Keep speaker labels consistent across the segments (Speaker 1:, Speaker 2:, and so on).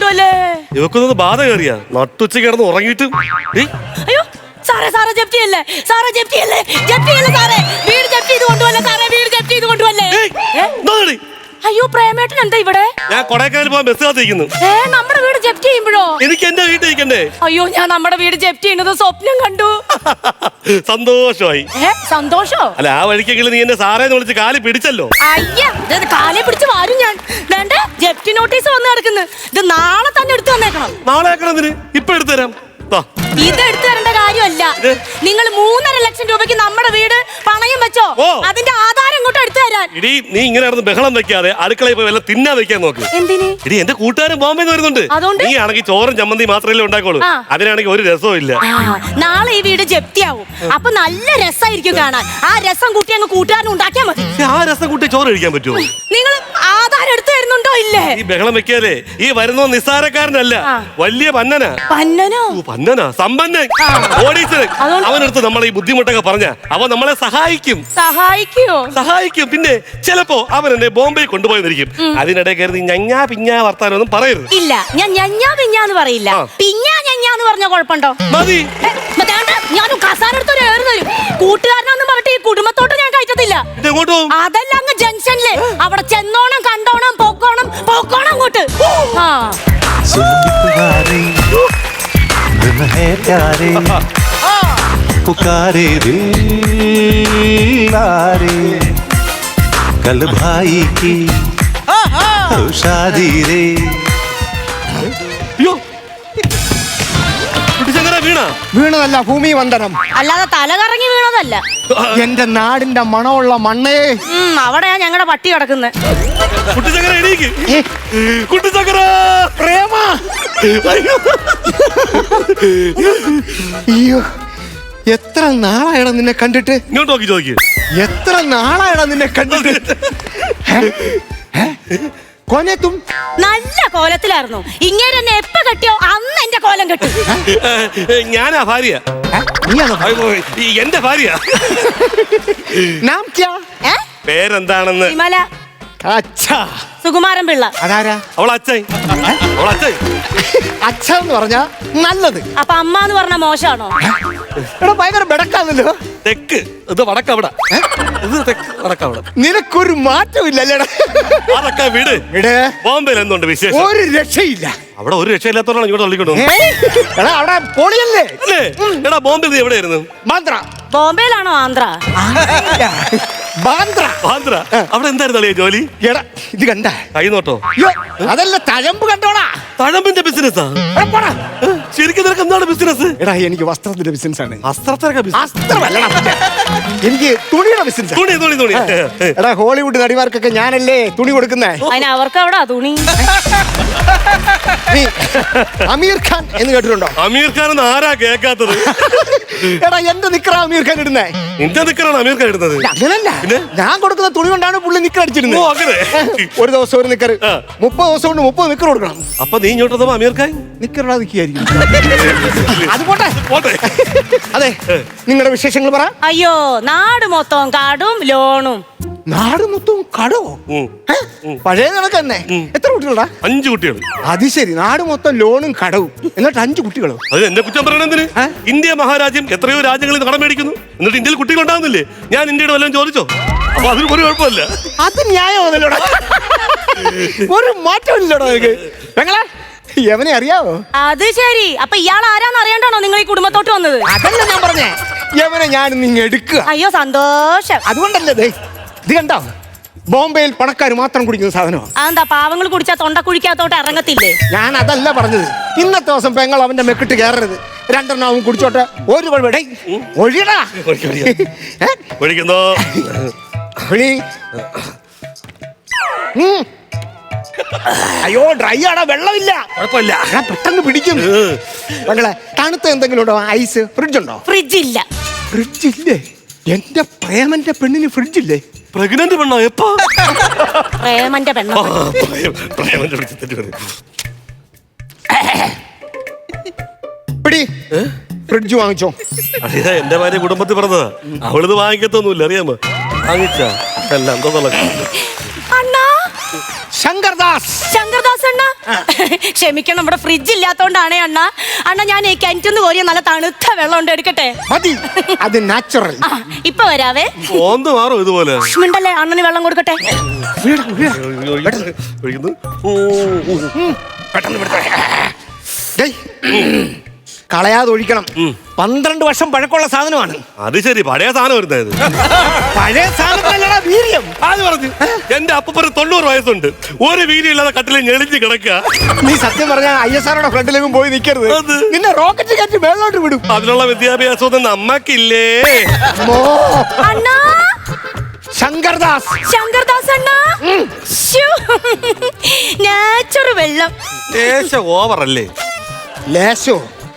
Speaker 1: കൊണ്ടുവല്ലേ.
Speaker 2: ഇവക്കൊന്നത് ബാധ കയറിയാ നട്ടുച്ച കിടന്ന് ഉറങ്ങിയിട്ട്.
Speaker 1: അയ്യോ സാറേ, സാറേ ജപ്തിയല്ലേ, സാറേ ജപ്തിയല്ലേ, ജപ്തിയല്ലേ സാറേ, വീട് ജപ്തി ചെയ്ത് കൊണ്ടുവല്ലേ സാറേ, വീട് ജപ്തി ചെയ്ത് കൊണ്ടുവല്ലേ. അയ്യോ പ്രേമേട്ടൻ എന്താ ഇവിടെ?
Speaker 2: ഞാൻ കൊടൈക്കനാൽ പോകാൻ ബസ് കാത്തിരിക്കുന്നു.
Speaker 1: നമ്മുടെ വീട് ജപ്തി ചെയ്യുമ്പോഴോ?
Speaker 2: എനിക്ക് എന്റെ വീട്ടിൽ ഇരിക്കണ്ടേ?
Speaker 1: അയ്യോ ഞാൻ നമ്മുടെ വീട് ജപ്തി ചെയ്യുന്നത് സ്വപ്നം കണ്ടു.
Speaker 2: സന്തോഷമായി.
Speaker 1: സന്തോഷോ?
Speaker 2: അല്ല ആ വഴിക്കെങ്കിലും നീ എന്നെ സാറേന്ന് വിളിച്ച് കാലി പിടിച്ചല്ലോ.
Speaker 1: അയ്യാ കാലെ പിടിച്ച് വാരും ഞാൻ. വേണ്ട, ജപ്തി നോട്ടീസ് വന്ന് കിടക്കുന്നു. ഇത് നാളെ തന്നെ എടുത്തു വന്നേക്കണം.
Speaker 2: നാളെ ആക്കണതിന് ഇപ്പൊ എടുത്തു തരാം.
Speaker 1: ഇത് എടുത്തു തരേണ്ട കാര്യമല്ല. നിങ്ങൾ 3.5 ലക്ഷം രൂപയ്ക്ക് നമ്മുടെ വീട് പണയം വെച്ചോ, അതിന്റെ ആധാരം ഇങ്ങോട്ട് എടുത്തു തരാൻ.
Speaker 2: ഇടി നീ ഇങ്ങനെ നടന്ന് ബഹളം വെക്കാതെ അടുക്കളയിൽ പോയി വല്ല തിന്നാ വെക്കാൻ നോക്ക്.
Speaker 1: എന്തിന്?
Speaker 2: ഇടി എന്റെ കൂട്ടുകാരൻ ബോംബെന്ന് വരുന്നുണ്ട്. നീ ആണെങ്കിൽ ചോറും ചമ്മന്തി മാത്രമേ ഉണ്ടാക്കോളൂ. അതിനാണെങ്കിൽ ഒരു രസവും ഇല്ല.
Speaker 1: നാളെ ഈ വീട് ജപ്തിയാവും. അപ്പൊ നല്ല രസമായിരിക്കും കാണാൻ. ആ രസം കൂട്ടി അങ്ങ് കൂട്ടുകാരൻ ഉണ്ടാക്കിയാ മതി.
Speaker 2: ആ രസം കൂട്ടി ചോറ് കഴിക്കാൻ പറ്റുമോ?
Speaker 1: നിങ്ങൾ ആധാരം എടുത്തു തരുന്നുണ്ടോ? ഇല്ലേ.
Speaker 2: ഈ ബഹളം വെക്കാതെ ഈ വരുന്ന നിസ്സാരക്കാരനല്ല, വലിയ പന്നനാ.
Speaker 1: പന്നനോ?
Speaker 2: പന്നനാ, സമ്പന്നൻ, ഓടീസൻ. അവനടുത്ത് നമ്മളെ ഈ ബുദ്ധിമുട്ടൊക്കെ പറഞ്ഞ അവൻ നമ്മളെ സഹായിക്കും. സഹായിക്കും. പിന്നെ ചിലപ്പോ അവൻ എന്നെ ബോംബെ കൊണ്ടുപോയിരിക്കും. അതിനിടെ കയറി ഞഞ്ഞാ പിഞ്ഞാ വർത്താനൊന്നും പറയരുത്.
Speaker 1: ഇല്ല, ഞാൻ ഞഞ്ഞാ പിഞ്ഞാന്ന് പറയില്ല. പിഞ്ഞാ ഞഞ്ഞാന്ന് പറഞ്ഞ കുഴപ്പമുണ്ടോ?
Speaker 2: മതി.
Speaker 1: ഞാൻ കസാരെടുത്തൊരു ഏറ് തരും. കൂട്ടുകാരനാന്ന് പറഞ്ഞിട്ട് ഈ കുടുംബത്തോട്ട് ഞാൻ കയറ്റത്തില്ല. അതല്ല അങ്ങ് ജംഗ്ഷനില് അവിടെ ചെന്നോണം, കണ്ടോണം, പോക്കോണം, പോക്കോണം അങ്ങോട്ട്.
Speaker 3: है प्यारे पुकारे दिल लारे कल भाई की शादी रे.
Speaker 4: വീണതല്ല, ഭൂമി വന്ദനം.
Speaker 1: അല്ലാതെ തല കറങ്ങി വീണതല്ല.
Speaker 4: എന്റെ നാടിന്റെ മണമുള്ള മണ്ണേ.
Speaker 1: അവിടെയാ ഞങ്ങളുടെ പട്ടി കിടക്കുന്നത്.
Speaker 4: പ്രേമ, അയ്യോ എത്ര നാളായടാ നിന്നെ കണ്ടിട്ട്.
Speaker 2: ഇങ്ങോട്ട് നോക്കി ചോദിക്ക്.
Speaker 4: എത്ര നാളായടാ നിന്നെ കണ്ടിട്ട്. കോനത്തും
Speaker 1: നല്ല കോലത്തിലായിരുന്നു. ഇങ്ങനെ എന്നെ എപ്പ കെട്ടിയോ അന്ന് എന്റെ കോലം കെട്ടി.
Speaker 2: ഞാനാ ഭാര്യ. എന്റെ ഭാര്യ. പേരെന്താണെന്ന്? സുകുമാരൻ പിള്ള.
Speaker 4: അതാരാ?
Speaker 2: അവളച്ഛൻ.
Speaker 4: അച്ഛന്ന് പറഞ്ഞാ നല്ലത്.
Speaker 1: അപ്പൊ അമ്മ എന്ന് പറഞ്ഞ മോശമാണോ?
Speaker 4: ഭയങ്കര ബെടക്കാന്നല്ലോ.
Speaker 2: തെക്ക് ഇത് വടക്കവിടെ, ഇത് തെക്ക് വടക്കവിടെ.
Speaker 4: നിനക്കൊരു മാറ്റമില്ലല്ലേടാ.
Speaker 2: അതൊക്കെ വീട്. ബോംബെയിൽ എന്തുണ്ട് വിശേഷം?
Speaker 4: ഒരു രക്ഷയില്ല.
Speaker 2: അവിടെ ഒരു രക്ഷയില്ലാത്തോടാണ് ഇങ്ങോട്ട് തള്ളിക്കൊണ്ടു.
Speaker 4: അവിടെ പൊളിയല്ലേ?
Speaker 2: എടാ ബോംബെ നീ എവിടെയായിരുന്നു?
Speaker 4: ബാന്ദ്ര.
Speaker 1: ബോംബെയിലാണോ? ആന്ധ്ര.
Speaker 4: ബാന്ദ്ര.
Speaker 2: അവിടെ എന്തായിരുന്നു അളിയ ജോലി?
Speaker 4: എടാ ഇത് കണ്ട
Speaker 2: കൈ നോട്ടോ?
Speaker 4: അതല്ല, തഴമ്പ് കണ്ടോടാ.
Speaker 2: തഴമ്പിന്റെ ബിസിനസ്സാ? ശരിക്കും നിനക്ക് എന്താണ് ബിസിനസ്?
Speaker 4: എടാ എനിക്ക് വസ്ത്രത്തിന്റെ ബിസിനസ് ആണ്.
Speaker 2: വസ്ത്രമല്ലടാ,
Speaker 4: എനിക്ക് തുണിയുടെ ബിസിനസ്.
Speaker 2: തുണി.
Speaker 4: എടാ ഹോളിവുഡ് നടിമാർക്കൊക്കെ ഞാനല്ലേ തുണി കൊടുക്കുന്നേ.
Speaker 1: അതിന് അവർക്ക് അവിടെ തുണി.
Speaker 4: നീ അമീർ ഖാൻ എന്ന് കേട്ടിട്ടുണ്ടോ?
Speaker 2: അമീർ ഖാൻ എന്ന് ആരാ കേൾക്കാത്തത്?
Speaker 4: എടാ എന്റെ നിക്കറാ അമീർ ഖാൻ ഇടുന്നേ.
Speaker 2: നിന്റെ നിക്കറാണ് അമീർ ഖാൻ ഇടുന്നത്?
Speaker 4: അങ്ങനല്ല, ഞാൻ കൊടുക്കുന്ന തുണി കൊണ്ടാണ് പുള്ളി നിക്കർ അടിച്ചിരുന്നത്. ഒരു ദിവസം ഒരു നിക്കർ, 30 ദിവസം കൊണ്ട് 30 നിക്കർ കൊടുക്കണം.
Speaker 2: അപ്പൊ നീ ഇങ്ങോട്ട് അമീർ ഖാൻ
Speaker 4: നിക്കറിടാ നിൽക്കുകയായിരിക്കും. അത് പോട്ടെ. അതെ, നിങ്ങളുടെ വിശേഷങ്ങൾ പറ.
Speaker 1: അയ്യോ നാട് മൊത്തം കാടും ലോണും.
Speaker 4: നാട് മൊത്തം കടവോ? പഴയ കണക്ക് തന്നെ. എത്ര കുട്ടികളാ?
Speaker 2: 5 കുട്ടികൾ.
Speaker 4: അത് ശരി, നാട് മൊത്തം ലോണും കടവും, എന്നിട്ട് 5 കുട്ടികളോ?
Speaker 2: അത് എന്നെ കുറ്റം പറയണെന്തിന്? ഇന്ത്യ മഹാരാജ്യം എത്രയോ രാജ്യങ്ങളിൽ കടം മേടിക്കുന്നു, എന്നിട്ട് ഇന്ത്യയിൽ കുട്ടികൾ ഉണ്ടാകുന്നില്ലേ? ഞാൻ ഇന്ത്യയുടെ വല്ലതും ചോദിച്ചോ? അപ്പൊ അതിന് ഒരു കുഴപ്പമില്ല.
Speaker 4: അത് ന്യായമല്ലല്ലോടാ. ഒരു മാറ്റമില്ലല്ലോടാ നിനക്ക്. പെങ്ങളെ യവനെ അറിയാവോ?
Speaker 1: അത് ശരി, അപ്പൊ ഇയാൾ ആരാന്ന് അറിയണ്ടാണോ നിങ്ങൾ ഈ കുടുംബത്തോട്ട് വന്നത്?
Speaker 4: അതല്ല ഞാൻ പറഞ്ഞേ, യവനെ ഞാൻ നിങ്ങ എടുക്കുക.
Speaker 1: അയ്യോ സന്തോഷം.
Speaker 4: അതുകൊണ്ടല്ലേ ഇത് കണ്ടോ, ബോംബെയിൽ പണക്കാർ മാത്രം കുടിക്കുന്ന സാധനമാണ്.
Speaker 1: അതെന്താ പാവങ്ങൾ കുടിച്ചാ തൊണ്ട കുഴിക്കാത്തോട്ട് ഇറങ്ങത്തില്ലേ?
Speaker 4: ഞാൻ അതല്ല പറഞ്ഞത്. ഇന്നത്തെ ദിവസം പെങ്ങൾ അവന്റെ മെക്കിട്ട് കയറരുത്. 2 എണ്ണം കുടിച്ചോട്ടെ. ഒരു കുഴപ്പം ഒഴിയടാ.
Speaker 2: ഒഴിക്കുന്നോ?
Speaker 4: അയ്യോ ഡ്രൈ ആടാ, വെള്ളമില്ല.
Speaker 2: കുഴപ്പമില്ല,
Speaker 4: പെട്ടെന്ന് പിടിക്കും. പെങ്ങളെ തണുത്ത എന്തെങ്കിലും ഉണ്ടോ? ഐസ്? ഫ്രിഡ്ജ് ഉണ്ടോ?
Speaker 1: ഫ്രിഡ്ജില്ല.
Speaker 4: ഫ്രിഡ്ജില്ലേ? എന്റെ പ്രേമന്റെ പെണ്ണിന് ഫ്രിഡ്ജില്ലേ?
Speaker 2: പ്രഗ്നന്റ് പെണ്ണോ? എപ്പോ?
Speaker 1: പ്രേമന്റെ പെണ്ണോ?
Speaker 4: ഫ്രിഡ്ജ് വാങ്ങിച്ചോ?
Speaker 2: അറിയാ, എന്റെ ഭാര്യ കുടുംബത്തിൽ പറഞ്ഞതാ. അവളിത് വാങ്ങിക്കത്തൊന്നുമില്ല, അറിയാമോ? വാങ്ങിച്ചാ എല്ലാം
Speaker 4: ശങ്കർദാസ്.
Speaker 1: ശങ്കർദാസ് അണ്ണ ക്ഷമിക്കണം, നമ്മുടെ ഫ്രിഡ്ജ് ഇല്ലാത്തോണ്ടാണേ അണ്ണ. അണ്ണ ഞാൻ ഈ കിണറ്റിന്ന് കോരിയ നല്ല തണുത്ത വെള്ളം ഉണ്ട്, എടുക്കട്ടെ?
Speaker 4: മതി, അത് നാച്ചുറൽ.
Speaker 1: ഇപ്പൊ വരാവേ.
Speaker 2: ഓന്ത് മാറും ഇതുപോലെ.
Speaker 1: മിണ്ടല്ലേ, അണ്ണന് വെള്ളം കൊടുക്കട്ടെ.
Speaker 4: കളയാതെ ഒഴിക്കണം. 12 വർഷം പഴക്കമുള്ള സാധനമാണ്.
Speaker 2: അത് ശരി, പഴയ സാധനം വരുന്നത്.
Speaker 4: പഴയ സാധനത്തിലല്ലടാ വീര്യം.
Speaker 2: അത് പറഞ്ഞു. എന്റെ അപ്പൂപ്പന് 90 വയസ്സുണ്ട്, ഒരു വീര്യം ഇല്ലാതെ കട്ടിലെ ഞെളിഞ്ഞ് കിടക്കുക.
Speaker 4: നീ സത്യം പറഞ്ഞ ISROയുടെ ഫ്രണ്ടിലേക്കും പോയി നിൽക്കരുത്. നിന്നെ റോക്കറ്റ് കയറ്റി മേളിലോട്ട് വിടും.
Speaker 2: അതിനുള്ള വിദ്യാഭ്യാസം നമ്മക്കില്ലേ?
Speaker 1: അണ്ണാ,
Speaker 4: ശങ്കർദാസ്.
Speaker 1: ശങ്കർദാസ് അണ്ണ, നാച്ചുറൽ വെള്ളം.
Speaker 2: ലേശം ഓവറല്ലേ?
Speaker 4: ലേശോ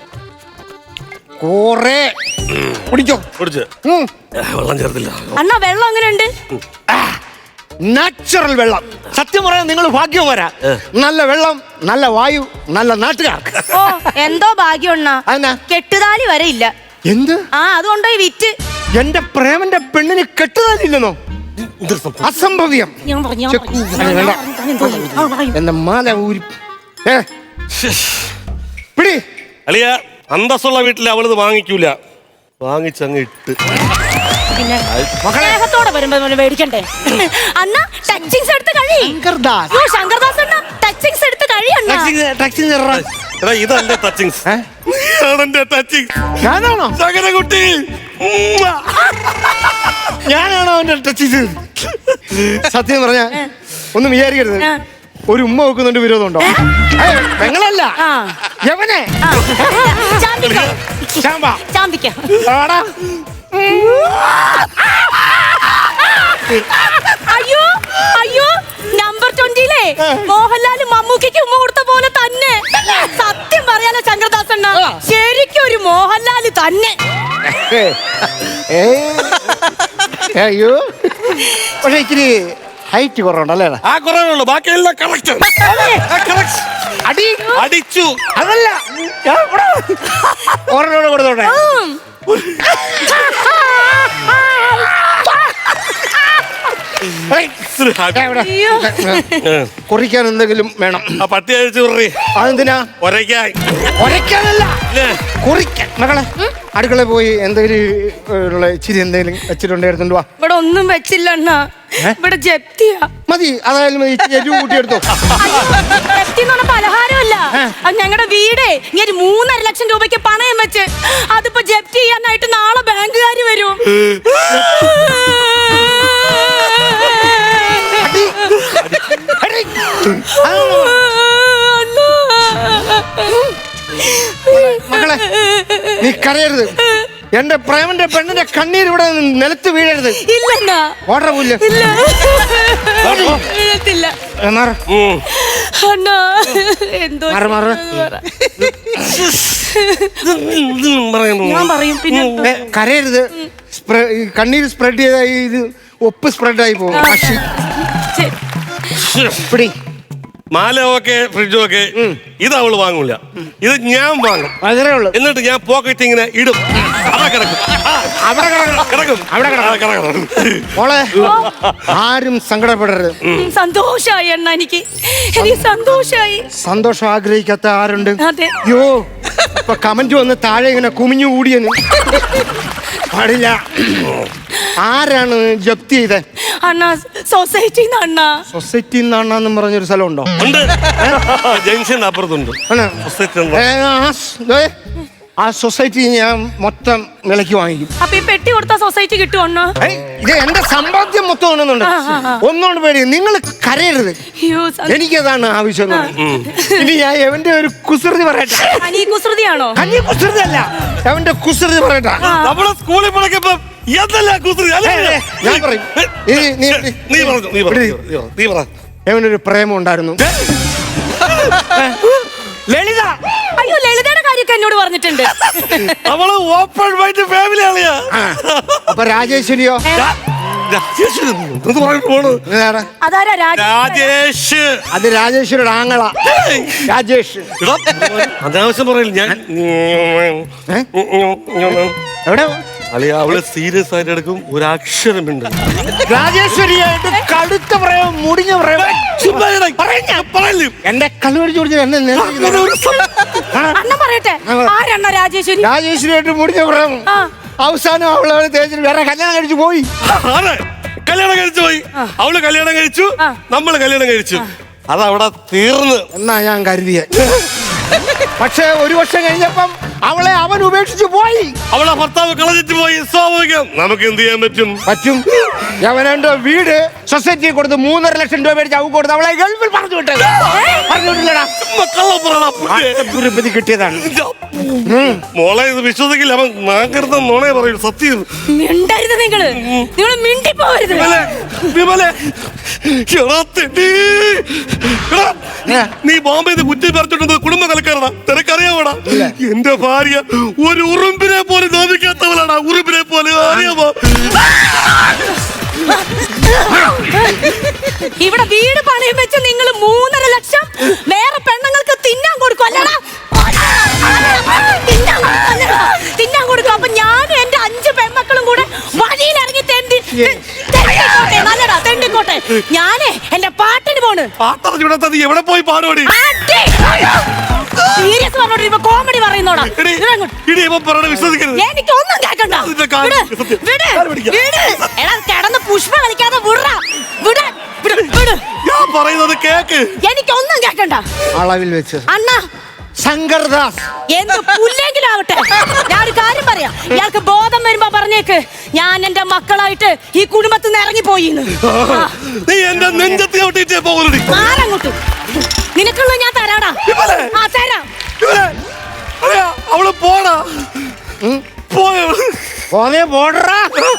Speaker 4: കൊറേ കുടിക്കോ.
Speaker 2: കുടിച്ച് വെള്ളം ചേർത്തില്ല.
Speaker 1: അണ്ണാ, വെള്ളം എങ്ങനെയുണ്ട്?
Speaker 4: നാച്ചുറൽ വെള്ളം. സത്യം പറയാൻ നിങ്ങൾ ഭാഗ്യം വരാ. നല്ല വെള്ളം, നല്ല വായു, നല്ല നാട്ടുകാർക്ക്.
Speaker 1: ഓ, എന്തോ ഭാഗ്യം അണ്ണാ.
Speaker 4: അതെന്നാ?
Speaker 1: കെട്ടുതാലി വരെ ഇല്ല.
Speaker 4: എന്ത്?
Speaker 1: അതുകൊണ്ടോ ഈ വിറ്റ്.
Speaker 4: എന്റെ പ്രേമന്റെ പെണ്ണിന് കെട്ടുതാലില്ലെന്നോ? അസംഭവ്യം. എന്റെ മാല ഊരി പിടി.
Speaker 2: അളിയ, അന്തസ്സുള്ള വീട്ടിൽ അവളിത് വാങ്ങിക്കൂല, വാങ്ങിച്ചങ്ങ് ഇട്ട്.
Speaker 1: പിന്നെ സ്നേഹത്തോടെ വരുമ്പോ മേടിക്കണ്ടേ അണ്ണ? ടച്ചിങ്സ് എടുത്ത് കഴി. ശങ്കർദാസ് അണ്ണ, ടച്ചിങ്സ് എടുത്ത് കഴി അണ്ണ.
Speaker 2: എടാ, ഇതല്ലേ ടച്ചിങ്സ്?
Speaker 4: ഞാനാണോ
Speaker 2: കുട്ടി?
Speaker 4: ഞാനാണോ അവന്റെ ടച്ചിങ്സ്? സത്യം പറഞ്ഞ ഒന്നും വിചാരിക്കരുത്. ഒരു ഉമ്മ വെക്കുന്നുണ്ട് വിരോധമുണ്ടോ? പെങ്ങളല്ല, യവനെ.
Speaker 1: അയ്യോ അയ്യോ, നമ്പർ 20-ലെ മോഹൻലാൽ മമ്മൂക്കയ്ക്ക് ഉമ്മ കൊടുത്ത പോലെ തന്നെ. സത്യം പറയാലോ ശങ്കർദാസ് അണ്ണ, ശരിക്കും ഒരു മോഹൻലാൽ തന്നെ.
Speaker 4: അയ്യോ, പക്ഷെ ഇച്ചിരി ഹൈറ്റ് കുറവുണ്ടല്ലേ?
Speaker 2: ആ കുറവുള്ളൂ, ബാക്കിയെല്ലാം കറക്റ്റ്. അടിച്ചു.
Speaker 4: അതല്ല, ഓരോട് കൊടുത്തോട്ടെ. കുറിക്കാൻ എന്തെങ്കിലും വേണം.
Speaker 2: ആ പട്ടി അഴിച്ചു കുറി.
Speaker 4: അതെന്തിനാ? ഒരയ്ക്കാനല്ല, കുറിക്കാൻ. മകളെ, അടുക്കള പോയി എന്തെങ്കിലും ഇച്ചിരി എന്തെങ്കിലും വെച്ചിട്ടുണ്ടായിരുന്നു. വാ.
Speaker 1: ഇവിടെ ഒന്നും വെച്ചില്ല അണ്ണ, ഇവിടെ ജപ്തിയാ.
Speaker 4: മതി, അതായാലും എരിവ് കൂട്ടിയെടുത്തോ.
Speaker 1: ജപ്തി എന്ന് പറഞ്ഞ പലഹാരമല്ല, അത് ഞങ്ങളുടെ വീടേ ഇങ്ങനെ 3.5 ലക്ഷം രൂപയ്ക്ക് പണയം വെച്ച് അതിപ്പോ ജപ്തി ചെയ്യാനായിട്ട് നാളെ ബാങ്കുകാര് വരും.
Speaker 4: മകളെ, നീ കരയരുത്. എന്റെ പ്രേമന്റെ പെണ്ണിന്റെ കണ്ണീർ ഇവിടെ നിലത്ത് വീഴരുത്.
Speaker 1: ഇല്ല,
Speaker 4: ഓർഡർ പോയില്ല.
Speaker 1: ഞാൻ പറയും. പിന്നെ
Speaker 4: കരയരുത്. കണ്ണീര് സ്പ്രെഡ് ചെയ്ത ഇത് ഒപ്പ് സ്പ്രെഡായി പോകും. പിടി.
Speaker 2: മാല ഓക്കെ, ഫ്രിഡ്ജും ഒക്കെ. ഇത് അവള് വാങ്ങൂല, ഇത് ഞാൻ വാങ്ങും.
Speaker 4: അതേ ഉള്ളു.
Speaker 2: എന്നിട്ട് ഞാൻ പോക്കറ്റ് ഇങ്ങനെ ഇടും.
Speaker 4: മോളെ, ആരും സങ്കടപ്പെടരുത്.
Speaker 1: സന്തോഷായി അണ്ണ, എനിക്ക് സന്തോഷായി.
Speaker 4: സന്തോഷം ആഗ്രഹിക്കാത്ത ആരുണ്ട്?
Speaker 1: അയ്യോ,
Speaker 4: ഇപ്പൊ കമന്റ് വന്ന് താഴെ ഇങ്ങനെ കുമിഞ്ഞു കൂടിയെന്ന് പാടില്ല. ആരാണ് ജപ്തി ചെയ്തേ?
Speaker 1: അണ്ണ, സൊസൈറ്റി.
Speaker 4: സൊസൈറ്റി എന്നാണെന്ന് പറഞ്ഞൊരു സ്ഥലം ഉണ്ടോ?
Speaker 2: ജംഗ്ഷൻ അപ്പുറത്തുണ്ട്.
Speaker 4: ആ സൊസൈറ്റി ഞാൻ മൊത്തം വിലക്ക് വാങ്ങിക്കും.
Speaker 1: അപ്പൊ ഈ പെട്ടി കൊടുത്ത സൊസൈറ്റി കിട്ടുമോ?
Speaker 4: ഇത് എന്റെ സമ്പാദ്യം മൊത്തം ഒന്നുണ്ട്. ഒന്നുകൊണ്ട് പേടി, നിങ്ങൾ കരയരുത്. എനിക്കതാണ് ആവശ്യം. ഇനി ഞാൻ എവന്റെ ഒരു കുസൃതി പറയട്ടെ.
Speaker 1: കുസൃതിയാണോ?
Speaker 4: കുസൃതി അല്ല, എവന്റെ കുസൃതി പറയട്ടെ.
Speaker 2: നമ്മളെ സ്കൂളിൽ പഠിക്കുമ്പോ ഞാൻ പറയും.
Speaker 4: എവനൊരു പ്രേമം ഉണ്ടായിരുന്നു. ലളിത.
Speaker 1: അയ്യോ, ലളിതയുടെ കാര്യമൊക്കെ എന്നോട് പറഞ്ഞിട്ടുണ്ട്.
Speaker 2: അവള് ഓപ്പൺ മൈൻഡ് ഫാമിലി ആളിയാ.
Speaker 4: അപ്പൊ രാജേശ്വരിയോ?
Speaker 2: രാജേഷ്.
Speaker 4: അത് രാജേശ്വരിയുടെ ആങ്ങള രാജേഷ്.
Speaker 2: അനാവശ്യം പറയില്ല ഞാൻ.
Speaker 4: എവിടെ
Speaker 2: അളിയ അവള് സീരിയസ് ആയിട്ട് എടുക്കും, ഒരക്ഷരമുണ്ട്.
Speaker 4: രാജേശ്വരിയായിട്ട് കടുത്ത പറയാം, മുടിഞ്ഞ പറയാം. എന്റെ കണ്ണുപിടിച്ച് കുടിച്ച് എന്നെ
Speaker 1: അണ്ണ പറയട്ടെ, ആരണ്ണ രാജേശ്വരി?
Speaker 4: രാജേശ്വരിയായിട്ട് മുടിഞ്ഞ പറയാം. അവസാനം അവളെ തേച്ചിട്ട് വേറെ കല്യാണം കഴിച്ചു പോയി.
Speaker 2: കല്യാണം കഴിച്ചു പോയി. അവള് കല്യാണം കഴിച്ചു, നമ്മള് കല്യാണം കഴിച്ചു. അതവിടെ തീർന്ന്
Speaker 4: എന്നാ ഞാൻ കരുതിയ. പക്ഷെ ഒരു വർഷം കഴിഞ്ഞപ്പം അവളെ അവൻ ഉപേക്ഷിച്ചു പോയി.
Speaker 2: അവളെ ഭർത്താവ് കളഞ്ഞിട്ട് പോയി. സ്വാഭാവികം. നമുക്ക് എന്ത് ചെയ്യാൻ പറ്റും?
Speaker 4: അവനെ വീട് സൊസൈറ്റി കൊടുത്ത് 3.5 ലക്ഷം രൂപ മേടിച്ച് അവ കൊടുത്ത് അവളെ ഗൾഫിൽ പറഞ്ഞു വിട്ടത്. കിട്ടിയതാണ്
Speaker 2: മോളെ. ഇത് വിശ്വസിക്കില്ല, അവൻ നാങ്കരുന്ന നോണേ പറയൂ. സത്യം
Speaker 1: മിണ്ടിപ്പോവരുത്.
Speaker 2: നീ ബോംബെന്ന് കുറ്റി പറിച്ചിട്ടുണ്ട് കുടുംബ നിലക്കാരടാ. നിനക്കറിയാമോടാ, എന്റെ ഭാര്യ ഒരു ഉറുമ്പിനെ പോലെ നോവിക്കാത്തവളാണ്. ഉറുമ്പിനെ പോലെ അറിയാമോ?
Speaker 1: ഇവിടെ വീട് പണയം വെച്ച് നിങ്ങൾ 3.5 ലക്ഷം വേറെ പെണ്ണുങ്ങൾക്ക് തിന്നാൻ കൊടുക്കും അല്ലടാ? തിന്നാൻ കൊടുക്കും. അപ്പൊ ഞാനും എന്റെ 5 പെൺമക്കളും കൂടെ വഴിയിലിറങ്ങി നല്ലടാ തെണ്ടിക്കോട്ടെ. ഞാനേ എന്റെ പാട്ടിന് പോണ്.
Speaker 2: പാട്ടറിഞ്ഞൂടാ, നീ എവിടെ പോയി പാടുപടി?
Speaker 1: Serious പറഞ്ഞോട്ട് comedy പറയുന്നോടാ.
Speaker 2: വിശ്വസിക്കരുത്.
Speaker 1: എനിക്കൊന്നും കേൾക്കണ്ട. എടാ കിടന്ന് പുഷ്പ കളിക്കാതെ
Speaker 2: ഞാൻ പറയുന്നത് കേക്ക്.
Speaker 1: എനിക്കൊന്നും കേൾക്കണ്ട.
Speaker 4: അളവിൽ വെച്ച്
Speaker 1: അണ്ണാ
Speaker 4: ശങ്കർദാസ്
Speaker 1: എന്ത് പുല്ലെങ്കിലാവട്ടെ, ഞാനൊരു കാര്യം പറയാം. ഇയാൾക്ക് ബോധം വരുമ്പോ പറഞ്ഞേക്ക് ഞാൻ എന്റെ മക്കളായിട്ട് ഈ കുടുംബത്തിൽ നിന്ന് ഇറങ്ങിപ്പോയി.
Speaker 2: നീ എന്റെ നെഞ്ചത്തി ഔട്ടിട്ടേ പോകുന്നു.
Speaker 1: ആരങ്ങോട്ട് നിനക്കുള്ള ഞാൻ തരാടാ. ആ തരാം.
Speaker 2: അവള് പോടാ.
Speaker 4: പോന്നേ പോടറാ.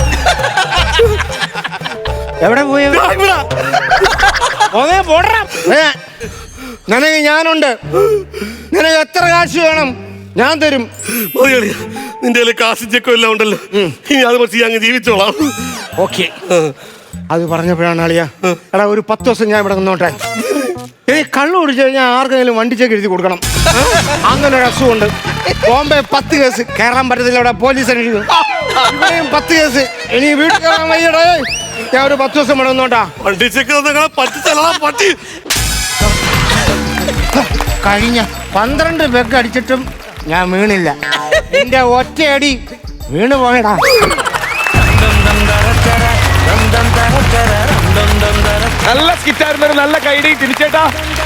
Speaker 4: എവിടെ പോയ പോന്നേ പോടറാ. നിനക്ക് ഞാനുണ്ട്. നിനക്ക് എത്ര കാശ് വേണം ഞാൻ തരും.
Speaker 2: നിന്റെ കാശ് ചെക്കും എല്ലാം ഉണ്ടല്ലോ. ഇനി അത് വെച്ച് അങ്ങ് ജീവിച്ചോളാം.
Speaker 4: ഓക്കെ. അത് പറഞ്ഞപ്പോഴാണ് അളിയ, എടാ ഒരു 10 ദിവസം ഞാൻ ഇവിടെ നിന്നോട്ടെ. ഈ കള്ളു കുടിച്ചു കഴിഞ്ഞാൽ ആർക്കെങ്കിലും വണ്ടിച്ചേക്ക് എഴുതി കൊടുക്കണം. അങ്ങനെ ഒരു അസുഖമുണ്ട്. ബോംബെ 10 കേസ്, കയറാൻ പറ്റത്തില്ല. ഇവിടെ പോലീസ് അന്വേഷിക്കും. 10 കേസ്. ഇനി വീട്ടിൽ കയറാൻ വയ്യടേ. ഞാൻ ഒരു 10 ദിവസം ഇവിടെ നിന്നോട്ടാ.
Speaker 2: വണ്ടിച്ചേക്ക് പറ്റി
Speaker 4: കഴിഞ്ഞ 12 പെഗ് അടിച്ചിട്ടും ഞാൻ വീണില്ല. എന്റെ ഒറ്റയടി വീണ് പോയടാ.
Speaker 5: നല്ല സ്കിറ്റായിരുന്നു. നല്ല കൈഡി തിരിച്ചേട്ടാ.